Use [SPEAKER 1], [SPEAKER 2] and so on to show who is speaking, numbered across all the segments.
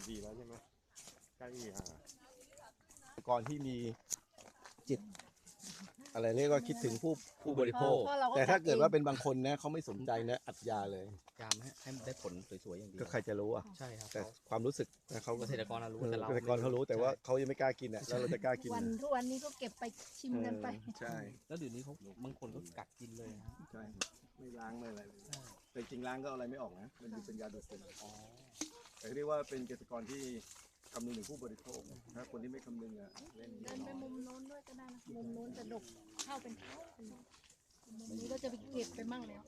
[SPEAKER 1] ดีแล้วใช่ไหมใกล้
[SPEAKER 2] ก่อนที่มีจิตอะไรเรียกว่าคิดถึงผู้บริโภค
[SPEAKER 3] เพราะเรา
[SPEAKER 2] แต่ถ้าเกิดว่าเป็นบางคนนะเขาไม่สนใจนะอัดยาเลย
[SPEAKER 4] ยามให้มันได้ผลสวยๆอย่างเดียว
[SPEAKER 2] ก็ใครจะรู้อ่ะ
[SPEAKER 4] ใช่ครับ
[SPEAKER 2] แต่ความรู้สึกนะเขา
[SPEAKER 4] เกษตรกรรู้
[SPEAKER 2] เออ
[SPEAKER 4] แต่เรา
[SPEAKER 2] เกษตรกรเขารู้แต่ว่าเขายังไม่กล้ากินอ่ะแล้วเราจะกล้ากิน
[SPEAKER 3] วัน
[SPEAKER 2] นะ
[SPEAKER 3] ทุกวันนี้ก็เก็บไปชิมกันไป
[SPEAKER 2] ใช่
[SPEAKER 4] แล้วเดี๋ยวนี้เขาบางคนก็กัดกินเลยนะ
[SPEAKER 2] ใช่ไม่ล้างไม่อะไรเลยแต่จริงล้างก็เอาอะไรไม่ออกนะมันเป็นยาดูดซึมแต่เรียกว่าเป็นเกษตรกรที่คำนึงถึงผู้บริโภคถ้าคนที่ไม่คำนึงอ่ะเล่น
[SPEAKER 3] เดินไปมุมโน้นด้วยก็ได้นะมุมโน้นจะดกเข้าเป็นเท้ามุมนี้ก็จะไปเก็บไปมั่งแล้ว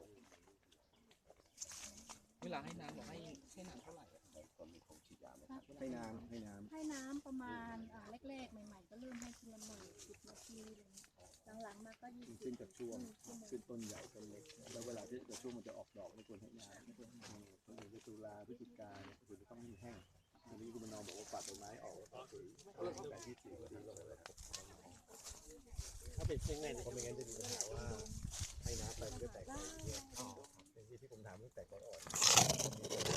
[SPEAKER 4] เวลาให้น้ำบอกให้น้ำเท่าไหร่
[SPEAKER 2] ให้น้ำ
[SPEAKER 3] ให้น้ำประมาณแรกๆใหม่ๆก็เริ่มให้ทีละ10 นาทีอะไรอย่างเงี้ยหลังๆมาก็20
[SPEAKER 2] ขึ้นกับช่วงขึ้นต้นใหญ่ต้นเล็กแล้วเวลาที่ช่วงมันจะออกดอกไม่ควรให้น้ำต้นเดือนตุลาพฤศจิกาเนี่ยควรจะต้องให้แห้งอันนี้คุณมนองบอกว่าปัดใบไม้ออกแต่ที่สีก็ดีก็เลย
[SPEAKER 1] ถ้าเป็นเช่นนั้นก็ไม่งั้นจะมีปัญหาว่าให้น้ำไปมันก็แตกไปเยอะเป็นที่ผมถามตั้งแต่ก่อนอ่อน